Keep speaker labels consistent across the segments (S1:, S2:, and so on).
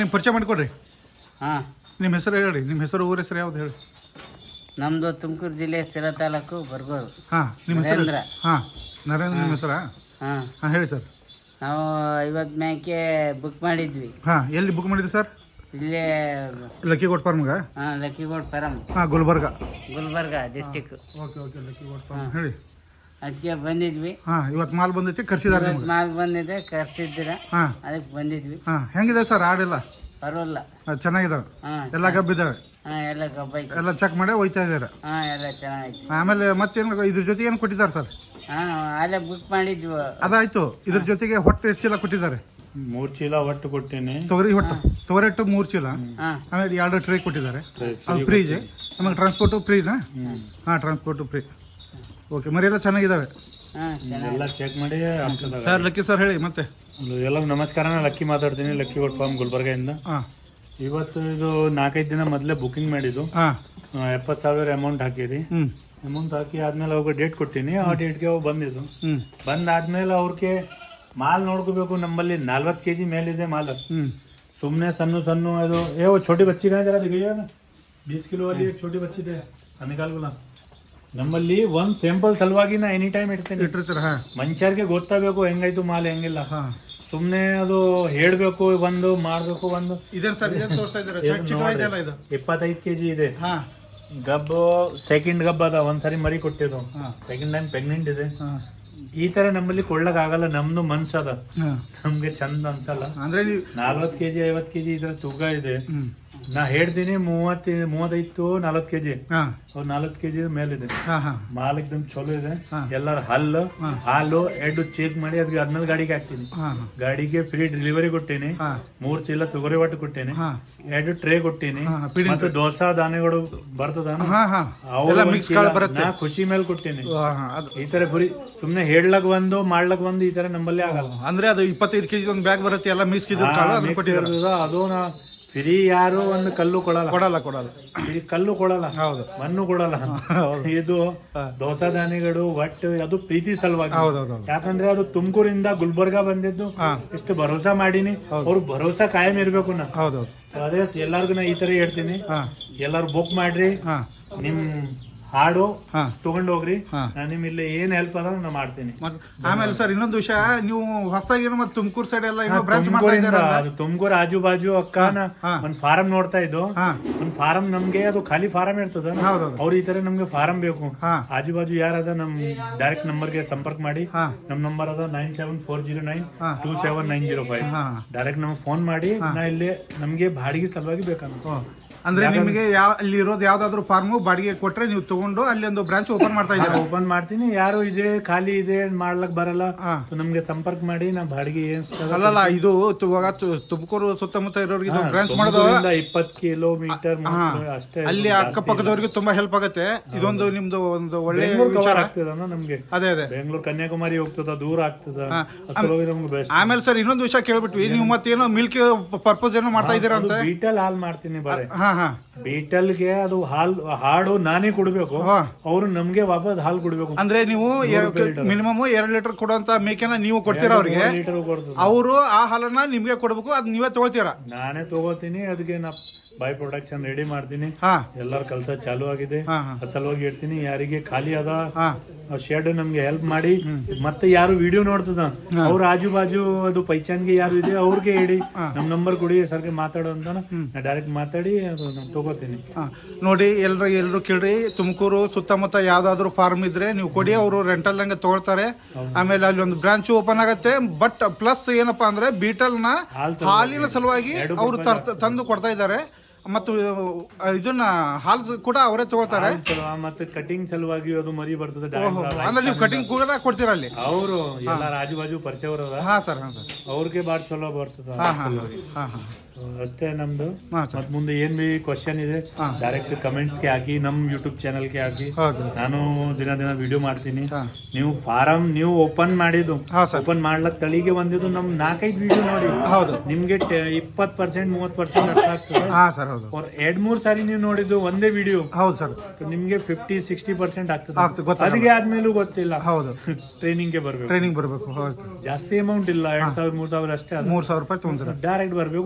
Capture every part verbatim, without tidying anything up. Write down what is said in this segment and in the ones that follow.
S1: ನಿಮ್ಮ ಪರಿಚಯ ಮಾಡಿಕೊಡ್ರಿ.
S2: ಹಾಂ,
S1: ನಿಮ್ಮ ಹೆಸರು ಹೇಳಿ, ನಿಮ್ಮ ಹೆಸರು ಊರ ಹೆಸರು ಯಾವ್ದು ಹೇಳಿ.
S2: ನಮ್ಮದು ತುಮಕೂರು ಜಿಲ್ಲೆ ಸಿರಾ ತಾಲೂಕು ಬರ್ಗೋರು.
S1: ಹಾಂ, ನಿಮ್ಮ ಹೆಸರು
S2: ನರೇಂದ್ರ.
S1: ಹಾಂ, ನರೇಂದ್ರ ನಿಮ್ಮ ಹೆಸರಾ?
S2: ಹಾಂ,
S1: ಹಾಂ, ಹೇಳಿ ಸರ್.
S2: ನಾವು ಐವತ್ತು ಮೇಕೆ ಬುಕ್ ಮಾಡಿದ್ವಿ.
S1: ಹಾಂ, ಎಲ್ಲಿ ಬುಕ್ ಮಾಡಿದ್ರಿ ಸರ್?
S2: ಇಲ್ಲೇ
S1: ಲಕ್ಕಿಗೋಟ್ ಫಾರ್ಮ್ಗ?
S2: ಹಾಂ, ಲಕ್ಕಿಗೋಡ್ ಫಾರಂ,
S1: ಹಾಂ, Gulbarga.
S2: Gulbarga district.
S1: Okay okay lucky goat farm ಹೇಳಿ.
S2: ಅದಕ್ಕೆ ಬಂದಿದ್ವಿ.
S1: ಹಾಂ, ಇವತ್ತು ಮಾಲ್ ಬಂದೈತಿ, ಕರ್ಸಿದಾರೆ
S2: ಇವತ್ತು
S1: ನಿಮ್ಗೆ?
S2: ಮಾಲ್ ಬಂದಿದೆ, ಕರ್ಸಿದ್ದೀರ.
S1: ಹಾಂ
S2: ಅದಕ್ಕೆ ಬಂದಿದ್ವಿ.
S1: ಹಾಂ, ಹೆಂಗಿದೆ ಸರ್ ಆಡೆಲ್ಲ?
S2: ಪರವಾಗಿಲ್ಲ.
S1: ಚೆನ್ನಾಗಿದಾವೆ?
S2: ಹಾಂ,
S1: ಎಲ್ಲ ಗಬ್ಬಿದ್ದಾವೆ?
S2: ಹಾಂ, ಎಲ್ಲ ಗಬ್ಬ ಐತಿ.
S1: ಎಲ್ಲ ಚೆಕ್ ಮಾಡಿ ಒಯ್ತಾ ಇದ್ದಾರೆ?
S2: ಹಾಂ, ಎಲ್ಲ ಚೆನ್ನಾಗೈತಿ.
S1: ಆಮೇಲೆ ಮತ್ತೇನು ಇದ್ರ ಜೊತೆಗೆ ಏನು ಕೊಟ್ಟಿದ್ದಾರೆ ಸರ್?
S2: ಹಾಂ, ಅಲ್ಲೇ ಬುಕ್ ಮಾಡಿದ್ವಿ.
S1: ಅದಾಯ್ತು. ಇದ್ರ ಜೊತೆಗೆ ಹೊಟ್ಟೆ ಎಷ್ಟು ಚೀಲ ಕೊಟ್ಟಿದ್ದಾರೆ?
S3: ಮೂರ್ ಚೀಲ ಒಟ್ಟು ಕೊಟ್ಟೇನೆ.
S1: ತೊಗರಿ ಹೊಟ್ಟು ತೊಗರಿ ಹಿಟ್ಟು ಮೂರು ಚೀಲ,
S2: ಹಾಂ,
S1: ಆಮೇಲೆ ಎರಡು ಟ್ರೇ ಕೊಟ್ಟಿದ್ದಾರೆ. ಅದು ಫ್ರೀ ಇದೆ. ಆಮೇಲೆ ಟ್ರಾನ್ಸ್ಪೋರ್ಟು ಫ್ರೀನಾ? ಹಾಂ, ಟ್ರಾನ್ಸ್ಪೋರ್ಟು ಫ್ರೀ. ಓಕೆ, ಮರಿ ಎಲ್ಲ ಚೆನ್ನಾಗಿದ್ದಾವೆ?
S2: ಹಾಂ, ಚೆನ್ನಾಗಿ.
S3: ಎಲ್ಲ ಚೆಕ್ ಮಾಡಿ ಆಗ್ತದ.
S1: ಸರ್ ಲಕ್ಕಿ ಸರ್ ಹೇಳಿ ಮತ್ತೆ.
S3: ಎಲ್ಲ ನಮಸ್ಕಾರ, ನಾನು ಲಕ್ಕಿ ಮಾತಾಡ್ತೀನಿ, ಲಕ್ಕಿ ಗೋಟ್ ಫಾರ್ಮ್ ಗುಲ್ಬರ್ಗದಿಂದ.
S1: ಹಾಂ
S3: ಇವತ್ತು ಇದು ನಾಲ್ಕೈದು ದಿನ ಮೊದಲೇ ಬುಕಿಂಗ್ ಮಾಡಿದ್ದು.
S1: ಹಾಂ
S3: ಎಪ್ಪತ್ತು ಸಾವಿರ ಅಮೌಂಟ್ ಹಾಕಿರಿ.
S1: ಹ್ಞೂ
S3: ಅಮೌಂಟ್ ಹಾಕಿ ಆದ್ಮೇಲೆ ಅವ್ರಿಗೆ ಡೇಟ್ ಕೊಟ್ಟಿನಿ. ಆ ಡೇಟ್ಗೆ ಅವು ಬಂದಿದ್ದು.
S1: ಹ್ಞೂ
S3: ಬಂದಾದ್ಮೇಲೆ ಅವ್ರಿಗೆ ಮಾಲ್ ನೋಡ್ಕೋಬೇಕು. ನಮ್ಮಲ್ಲಿ ನಲ್ವತ್ತು ಕೆ ಜಿ ಮೇಲಿದೆ ಮಾಲ್.
S1: ಹ್ಞೂ
S3: ಸುಮ್ಮನೆ ಸಣ್ಣ ಸಣ್ಣ ಅದು ಏ वो छोटी बच्ची का जरा दिखाइए ना, बीस किलो वाली एक छोटी बच्ची ಇದೆ ಅನಿಕಾಲ್ಗುಲ. ನಮ್ಮಲ್ಲಿ ಒಂದ್ ಸ್ಯಾಂಪಲ್ ಸಲುವಾಗಿ ನಾ ಎನಿ ಟೈಮ್ ಇಡ್ತೇನೆ.
S1: ಇಟ್ಟಿರ್ತೀರ? ಹಾಂ
S3: ಮನುಷ್ಯರಿಗೆ ಗೊತ್ತಾಗಬೇಕು ಹೆಂಗಾಯ್ತು ಮಾಲ್ ಹೆಂಗಿಲ್ಲ.
S1: ಹಾಂ
S3: ಸುಮ್ನೆ ಅದು ಹೇಳ್ಬೇಕು, ಒಂದು ಮಾಡ್ಬೇಕು. ಒಂದು
S1: ಇದೇನು ಸರ್, ಇದೇನು ತೋರಿಸ್ತಾ ಇದ್ದೀರಾ? ಚಿಕ್ಕವಾಯ್ತಲ್ಲ ಇದು?
S3: ಇಪ್ಪತ್ತೈದು ಕೆಜಿ ಇದೆ.
S1: ಹಾಂ
S3: ಗಬ್ಬು ಸೆಕೆಂಡ್ ಗಬ್ಬ ಅದ. ಒಂದ್ಸರಿ ಮರಿ ಕೊಟ್ಟಿದ್ದು,
S1: ಹಾಂ
S3: ಸೆಕೆಂಡ್ ಟೈಮ್ ಪ್ರೆಗ್ನೆಂಟ್ ಇದೆ.
S1: ಹಾಂ
S3: ಈ ತರ ನಮ್ಮಲ್ಲಿ ಕೊಳ್ಳಕ್ ಆಗಲ್ಲ. ನಮ್ದು ಮನ್ಸ ಅದ,
S1: ಹಾಂ
S3: ನಮ್ಗೆ ಚಂದ ಅನ್ಸಲ್ಲ.
S1: ಅಂದರೆ ನೀವು
S3: ನಲ್ವತ್ತು ಕೆಜಿ ಐವತ್ತು ಕೆಜಿ ಇದ್ರ ತೂಕ ಇದೆ.
S1: ಹ್ಞೂ
S3: ನಾ ಹೇಳ್ತೀನಿ ಮೂವತ್ತು ಮೂವತ್ತೈದು ನಲ್ವತ್ತು ಕೆಜಿ.
S1: ಹಾಂ
S3: ಅವ್ರು ನಲ್ವತ್ತು ಕೆಜಿ ಮೇಲಿದೆ.
S1: ಹಾಂ ಹಾಂ
S3: ಮಾಲ್ ಎಕ್ದಮ್ ಚಲೋ ಇದೆ.
S1: ಹಾ.
S3: ಎಲ್ಲರ ಹಲ್ಲು
S1: ಹಾ.
S3: ಹಾಲು ಎರಡು ಚೆಕ್ ಮಾಡಿ ಅದಕ್ಕೆ ಹದಿನೈದು ಗಾಡಿಗೆ ಹಾಕ್ತೀನಿ.
S1: ಹಾಂ ಹಾಂ
S3: ಗಾಡಿಗೆ ಫ್ರೀ ಡೆಲಿವರಿ ಕೊಟ್ಟೇನಿ.
S1: ಹಾಂ
S3: ಮೂರ್ ಚೀಲ ತೊಗರಿ ಒಟ್ಟು ಕೊಟ್ಟೇನಿ.
S1: ಹಾಂ
S3: ಎರಡು ಟ್ರೇ ಕೊಟ್ಟೀನಿ.
S1: ಹಾ, feeding
S3: ಮತ್ತೆ ದೋಸಾ ದಾನೆಗಳು ಬರ್ತದ,
S1: ಹಾಂ ಹಾಂ
S3: ಅವ್ರು
S1: ಎಲ್ಲ
S3: ಒಂದ್
S1: ಮಿಕ್ಸ್
S3: ಚೀಲ
S1: ಕಾಳು ಬರುತ್ತೆ.
S3: ನಾ ಖುಷಿ ಮೇಲೆ ಕೊಟ್ಟೇನಿ.
S1: ಹಾಂ ಹಾಂ ಅದು
S3: ಈ ತರ ಬರೀ ಸುಮ್ನೆ ಹೇಳಕ್ ಒಂದು ಮಾಡ್ಲಕ್ ಒಂದು ಈ ತರ ನಂಬಲ್ಲಿ ಆಗಲ್ಲ.
S1: ಅಂದರೆ ಅದು ಇಪ್ಪತ್ತೈದು ಕೆಜಿ ಒಂದು ಬ್ಯಾಗ್ ಬರುತ್ತೆ, ಎಲ್ಲ ಮಿಕ್ಸ್ ಇದ್ರ ಕಾಳು ಅದನ್ನ
S3: Mix
S1: ಕೊಟ್ಟಿದ್ದಾರೆ.
S3: ಇರ್ತದ, ಅದು ನಾ ಫ್ರೀ ಯಾರು ಒಂದು ಕಲ್ಲು ಕೊಡಲ್ಲ.
S1: ಕೊಡಲ್ಲ ಕೊಡಲ್ಲ
S3: ಈ ಕಲ್ಲು ಕೊಡಲ್ಲ,
S1: ಹೌದು
S3: ಮಣ್ಣು ಕೊಡಲ್ಲ.
S1: ಹೌದು
S3: ಇದು
S1: ಹಾ.
S3: ದೋಸಾ ದಾನಿಗಳು ಒಟ್ಟು ಅದು ಪ್ರೀತಿ ಸಲುವಾಗಿ.
S1: ಹೌದೌದು
S3: ಯಾಕಂದ್ರೆ ಅದು ತುಮಕೂರಿಂದ ಗುಲ್ಬರ್ಗ ಬಂದಿದ್ದು.
S1: ಹಾ.
S3: ಎಷ್ಟು ಭರೋಸಾ ಮಾಡೀನಿ. ಅವ್ರು ಭರೋಸಾ ಕಾಯಂ ಇರ್ಬೇಕು. ನಾ
S1: ಹೌದೌದು
S3: ಅದೇ ಎಲ್ಲಾರ್ಗು ನಾ ಈ ತರ ಹೇಳ್ತೀನಿ,
S1: ಹಾಂ
S3: ಎಲ್ಲಾರು ಬುಕ್ ಮಾಡ್ರಿ,
S1: ಹಾಂ
S3: ನಿಮ್ ಹಾಡು
S1: ಹಾಂ
S3: ತಗೊಂಡ್ ಹೋಗ್ರಿ.
S1: ಹಾ.
S3: ನಾನು ನಿಮ್ ಇಲ್ಲಿ ಏನ್ ಹೆಲ್ಪ್ ಅದ ನಾ ಮಾಡ್ತೀನಿ.
S1: ಮತ್ತೆ ಆಮೇಲೆ ಸರ್ ಇನ್ನೊಂದು ವಿಷಯ, ನೀವು ಹೊಸದಾಗಿ ಏನೋ ಮತ್ತೆ ತುಮಕೂರು ಸೈಡ್ ಎಲ್ಲ
S3: ಹಾ,
S1: ಏನೋ ಬ್ರಾಂಚ್ ಮಾಡ್ತಾ
S3: ತುಮಕೂರಿಂದ
S1: ಇದ್ದಾರಲ್ಲ?
S3: ಅದು ತುಮಕೂರು ಆಜು ಬಾಜು ಅಕ್ಕ ನಾ
S1: ಹಾ.
S3: ಒಂದ್ ಫಾರಂ ನೋಡ್ತಾ ಇದ್ದು.
S1: ಹಾ
S3: ಒಂದ್ ಫಾರಂ ನಮ್ಗೆ ಅದು ಖಾಲಿ ಫಾರಂ ಇರ್ತದ.
S1: ಹೌದೌದು
S3: ಅವ್ರು ಈ ತರ ನಮ್ಗೆ ಫಾರಂ ಬೇಕು.
S1: ಹಾ
S3: ಆಜು ಬಾಜು ಯಾರದ ನಮ್ ಡೈರೆಕ್ಟ್ ನಂಬರ್ಗೆ ಸಂಪರ್ಕ ಮಾಡಿ.
S1: ಹಾ
S3: ನಮ್ ನಂಬರ್ ಅದ nine seven four zero nine
S1: ಹಾ.
S3: Two seven nine zero five.
S1: ಹಾ
S3: ಡೈರೆಕ್ಟ್ ನಮ್ಗೆ ಫೋನ್ ಮಾಡಿ. ನಾ ಇಲ್ಲಿ ನಮ್ಗೆ ಬಾಡಿಗೆ ಸಲುವಾಗಿ ಬೇಕಂತ.
S1: ಓ, ಅಂದ್ರೆ ನಿಮಗೆ ಯಾವ ಅಲ್ಲಿ ಇರೋದು ಯಾವ್ದಾದ್ರು ಫಾರ್ಮು ಬಾಡಿಗೆ ಕೊಟ್ರೆ ನೀವು ತಗೊಂಡು ಅಲ್ಲಿ ಒಂದು ಬ್ರಾಂಚ್ ಓಪನ್ ಮಾಡ್ತಾ ಇದ್ದೀರಾ?
S3: ಓಪನ್ ಮಾಡ್ತೀನಿ. ಯಾರು ಇದೆ ಖಾಲಿ ಇದೆ ಮಾಡ್ಲಕ್ ಬರಲ್ಲ,
S1: ಹಾ.
S3: ನಮ್ಗೆ ಸಂಪರ್ಕ ಮಾಡಿ. ನಾ ಬಾಡಿಗೆ ಏನ್
S1: ಅಲ್ಲಲ್ಲ, ಇದು ತು- ಇವಾಗ ತು- ತುಮಕೂರು ಸುತ್ತಮುತ್ತ ಇರೋರಿಗೆ ಇದು ಬ್ರಾಂಚ್ ಮಾಡೋದು
S3: ಇಪ್ಪತ್ತು ಕಿಲೋಮೀಟರ್
S1: ಹಾ.
S3: ಅಷ್ಟೇ.
S1: ಅಲ್ಲಿ ಅಕ್ಕಪಕ್ಕದವ್ರಿಗೆ ತುಂಬಾ ಹೆಲ್ಪ್ ಆಗುತ್ತೆ. ಇದೊಂದು ನಿಮ್ದು ಒಂದು ಒಳ್ಳೆ
S3: ಬೆಂಗಳೂರು
S1: ವಿಚಾರ.
S3: ಕವರ್ ಆಗ್ತದ ನಮ್ಗೆ.
S1: ಅದೇ ಅದೇ
S3: ಬೆಂಗಳೂರು ಕನ್ಯಾಕುಮಾರಿ ಹೋಗ್ತದ, ದೂರ ಆಗ್ತದ.
S1: ಹಾ.
S3: ಅಸಲುವಾಗಿ ನಮ್ಗೆ ಬೆಸ್ಟ್.
S1: ಆಮೇಲೆ ಸರ್ ಇನ್ನೊಂದು ವಿಷಯ ಕೇಳ್ಬಿಟ್ವಿ, ನೀವು ಮತ್ತೇನೋ ಮಿಲ್ಕ್ ಪರ್ಪಸ್ ಏನೋ ಮಾಡ್ತಾ ಇದ್ದೀರಾ ಅಂತ?
S3: ಬೀಟಲ್ ಹಾಲ್ ಮಾಡ್ತೀನಿ ಬರೇ.
S1: ಹಾ ಹಾ
S3: ಬೀಟಲ್ಗೆ ಅದು ಹಾಲ್ ಹಾಡು ನಾನೇ ಕೊಡ್ಬೇಕು.
S1: ಹಾ.
S3: ಅವ್ರು ನಮ್ಗೆ ವಾಪಸ್ ಹಾಲ್ ಕೊಡ್ಬೇಕು.
S1: ಅಂದ್ರೆ ನೀವು ಮಿನಿಮಮ್ ಎರಡ್ ಲೀಟರ್ ಕೊಡುವಂತ ಮೇಕೆನ ನೀವು ಕೊಡ್ತೀರಾ ಅವ್ರಿಗೆ,
S3: ಲೀಟರ್ ಕೊಡ್ತದ.
S1: ಅವರು ಆ ಹಾಲನ್ನ ನಿಮ್ಗೆ ಕೊಡ್ಬೇಕು, ಅದ್ ನೀವೇ ತಗೊಳ್ತೀರಾ?
S3: ನಾನೇ ತಗೋತೀನಿ. ಅದಕ್ಕೆ ನಾ ಬೈ ಪ್ರೊಡಕ್ಷನ್ ರೆಡಿ ಮಾಡ್ತೀನಿ.
S1: ಹಾ
S3: ಎಲ್ಲರ ಕೆಲಸ ಚಾಲು ಆಗಿದೆ.
S1: ಹಾ ಹಾ
S3: ಸಲುವಾಗಿ ಹೇಳ್ತೀನಿ, ಯಾರಿಗೆ ಖಾಲಿ ಅದ
S1: ಹಾ
S3: ಶೆಡ್ ನಮ್ಗೆ ಹೆಲ್ಪ್ ಮಾಡಿ. ಮತ್ತೆ ಯಾರು ವಿಡಿಯೋ ನೋಡ್ತದ ಅವ್ರ ಆಜು ಬಾಜು ಅದು ಪೈಚಾನ್ಗೆ ಯಾರು ಇದೆ ಅವ್ರಿಗೆ ಹೇಳಿ ನಮ್ ನಂಬರ್ ಕೊಡಿ ಸರ್ಗೆ ಮಾತಾಡೋ ಅಂತ. ನಾ ಡೈರೆಕ್ಟ್ ಮಾತಾಡಿ ಅದು ನಾನು ತಗೋತೀನಿ.
S1: ಹಾ. ನೋಡಿ ಎಲ್ರು ಎಲ್ರು ಕೇಳ್ರಿ, ತುಮಕೂರು ಸುತ್ತಮುತ್ತ ಯಾವ್ದಾದ್ರು ಫಾರ್ಮ್ ಇದ್ರೆ ನೀವು ಕೊಡಿ, ಅವರು ರೆಂಟಲ್ ಹಂಗೆ ತಗೊಳ್ತಾರೆ. ಆಮೇಲೆ ಅಲ್ಲಿ ಒಂದು ಬ್ರಾಂಚ್ ಓಪನ್ ಆಗತ್ತೆ. ಬಟ್ ಪ್ಲಸ್ ಏನಪ್ಪಾ ಅಂದ್ರೆ ಬೀಟಲ್ ನ
S3: ಹಾಲ್
S1: ಹಾಲಿನ ಸಲುವಾಗಿ ಅವರು ತಂದು ಕೊಡ್ತಾ ಇದ್ದಾರೆ. ಮತ್ತು ಇದನ್ನ ಹಾಲ್ ಕೂಡ ಅವರೇ ತಗೋತಾರೆ.
S3: ಮತ್ತೆ ಕಟಿಂಗ್ ಸಲುವಾಗಿ ಅದು ಮರಿ ಬರ್ತದೆ.
S1: ಅಂದ್ರೆ ನೀವು ಕಟಿಂಗ್ ಕೂಡ ಕೊಡ್ತೀರಾ ಅಲ್ಲಿ?
S3: ಅವರು ಎಲ್ಲ ಆಜು ಬಾಜು ಪರಿಚಯ ಅವರ.
S1: ಹಾ ಸರ್ ಹಾ ಸರ್
S3: ಅವ್ರಿಗೆ ಬಾಳ್ ಚಲೋ ಬರ್ತದ.
S1: ಹಾ ಹಾ ಹಾ ಹಾ
S3: ಅಷ್ಟೇ ನಮ್ದು.
S1: ಹಾ ಸರ್
S3: ಮತ್ ಮುಂದೆ ಏನ್ ಬಿ ಕ್ವಶನ್ ಇದೆ
S1: ಹಾ.
S3: ಡೈರೆಕ್ಟ್ ಕಮೆಂಟ್ಸ್ ಗೆ ಹಾಕಿ, ನಮ್ ಯೂಟ್ಯೂಬ್ ಚಾನಲ್ ಗೆ ಹಾಕಿ.
S1: ಹೌದು
S3: ನಾನು ದಿನ ದಿನ ವಿಡಿಯೋ ಮಾಡ್ತೀನಿ.
S1: ಹಾ
S3: ನೀವು ಫಾರಂ ನೀವು ಓಪನ್ ಮಾಡಿದ್ದು,
S1: ಹಾ ಸರ್
S3: ಓಪನ್ ಮಾಡ್ಲಕ್ ತಳಿಗೆ ಬಂದಿದ್ದು ನಮ್ ನಾಲ್ಕೈದು ವಿಡಿಯೋ ನೋಡಿ
S1: ಹೌದು
S3: ನಿಮ್ಗೆ ಇಪ್ಪತ್ ಪರ್ಸೆಂಟ್ ಮೂವತ್ ಪರ್ಸೆಂಟ್ ಅರ್ಥ ಆಗ್ತದೆ.
S1: ಹಾ ಸರ್ ಹೌದು.
S3: ಅವ್ರ ಎರಡ್ ಮೂರ್ ಸಾರಿ ನೀವು ನೋಡಿದ್ದು ಒಂದೇ ವಿಡಿಯೋ
S1: ಹೌದು ಸರ್,
S3: ನಿಮ್ಗೆ ಫಿಫ್ಟಿ ಸಿಕ್ಸ್ಟಿ ಪರ್ಸೆಂಟ್ ಆಗ್ತದೆ.
S1: ಆಗ್ತದೆ, ಗೊತ್ತಾಗಲ್ಲ.
S3: ಅದಕ್ಕೆ ಆದ್ಮೇಲೂ ಗೊತ್ತಿಲ್ಲ.
S1: ಹೌದು
S3: ಟ್ರೈನಿಂಗ್ ಗೆ ಬರ್ಬೇಕು.
S1: ಟ್ರೈನಿಂಗ್ ಬರಬೇಕು. ಹೌದು
S3: ಜಾಸ್ತಿ ಅಮೌಂಟ್ ಇಲ್ಲ, ಎರಡ್ ಸಾವಿರ ಮೂರ್ ಸಾವಿರ ಅಷ್ಟೇ.
S1: ಮೂರ್ ಸಾವಿರ ರೂಪಾಯಿ ತಗೊಂತೀರ?
S3: ಡೈರೆಕ್ಟ್ ಬರ್ಬೇಕು, ಎರಡ್ ದಿನ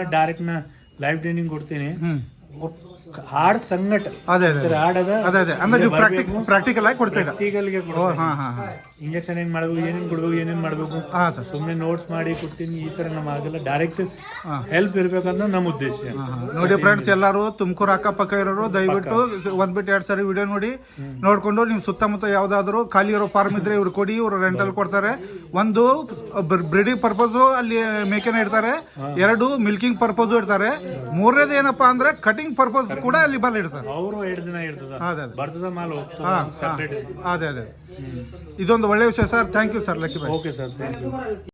S3: ಡೈರೆಕ್ಟ್ ನಾ ಲೈವ್ ಟ್ರೈನಿಂಗ್ ಕೊಡ್ತೀನಿ
S1: ಹ್ಮ್
S3: ಹಾಡ್ ಸಂಗಟ
S1: ಅದೇ ಅದೇ
S3: ಹಾಡದ
S1: ಅದೇ ಅದೇ ಅಂದ್ರೆ ನೀವು ಪ್ರಾಕ್ಟಿಕ್ ಪ್ರಾಕ್ಟಿಕಲ್ ಆಗಿ ಕೊಡ್ತೀರಾ
S3: ಪ್ರಾಕ್ಟಿಕಲ್ಗೆ
S1: ಓ ಹಾ ಹಾ ಹಾ
S3: ಇಂಜೆಕ್ಷನ್ ಹೆಂಗ್ ಮಾಡ್ಬೇಕು ಏನೇನ್ ಕೊಡ್ಬೇಕು ಏನೇನ್ ಮಾಡ್ಬೇಕು
S1: ಹಾ ಸರ್
S3: ಸುಮ್ನೆ ನೋಟ್ಸ್ ಮಾಡಿ ಕೊಡ್ತೀನಿ ಈ ತರ ನಮ್ ಆಗಲ್ಲ ಡೈರೆಕ್ಟ್
S1: ಹಾ.
S3: ಹೆಲ್ಪ್ ಇರ್ಬೇಕಂತ ನಮ್ಮ ಉದ್ದೇಶ.
S1: ನೋಡಿ ಫ್ರೆಂಡ್ಸ್ ಎಲ್ಲರೂ ತುಮಕೂರು ಅಕ್ಕಪಕ್ಕ ಇರೋರು ದಯವಿಟ್ಟು ಒಂದ್ ಬಿಟ್ಟು ಎರಡ್ ಸಾರಿ ವಿಡಿಯೋ ನೋಡಿ ನೋಡ್ಕೊಂಡು ನಿಮ್ ಸುತ್ತಮುತ್ತ ಯಾವ್ದಾದ್ರು ಖಾಲಿ ಇರೋ ಫಾರ್ಮ್ ಇದ್ರೆ ಇವ್ರು ಕೊಡಿ, ಇವ್ರು ರೆಂಟಲ್ ಕೊಡ್ತಾರೆ. ಒಂದು ಬ್ರೀಡಿಂಗ್ ಪರ್ಪಸ್ ಅಲ್ಲಿ ಮೇಕೆನ ಇಡ್ತಾರೆ, ಎರಡು ಮಿಲ್ಕಿಂಗ್ ಪರ್ಪಸ್ ಇಡ್ತಾರೆ, ಮೂರನೇದು ಏನಪ್ಪಾ ಅಂದ್ರೆ ಕಟಿಂಗ್ ಪರ್ಪಸ್ ಕೂಡ ಅಲ್ಲಿ ಬಲ್ ಇಡ್ತಾರೆ.
S3: ಅವರು ಎರಡು ದಿನ ಇರ್ತದ
S1: ಅದೇ ಅದೇ
S3: ಬರ್ತದ ಮಾಲ್ ಹೋಗ್ತದ
S1: ಹಾ
S3: ಸೆಪರೇಟ್.
S1: ಅದೇ ಅದೇ ಇದೊಂದು ಒಳ್ಳೆ ವಿಷಯ sir. Thank you sir lucky boy.
S3: Okay sir thank you.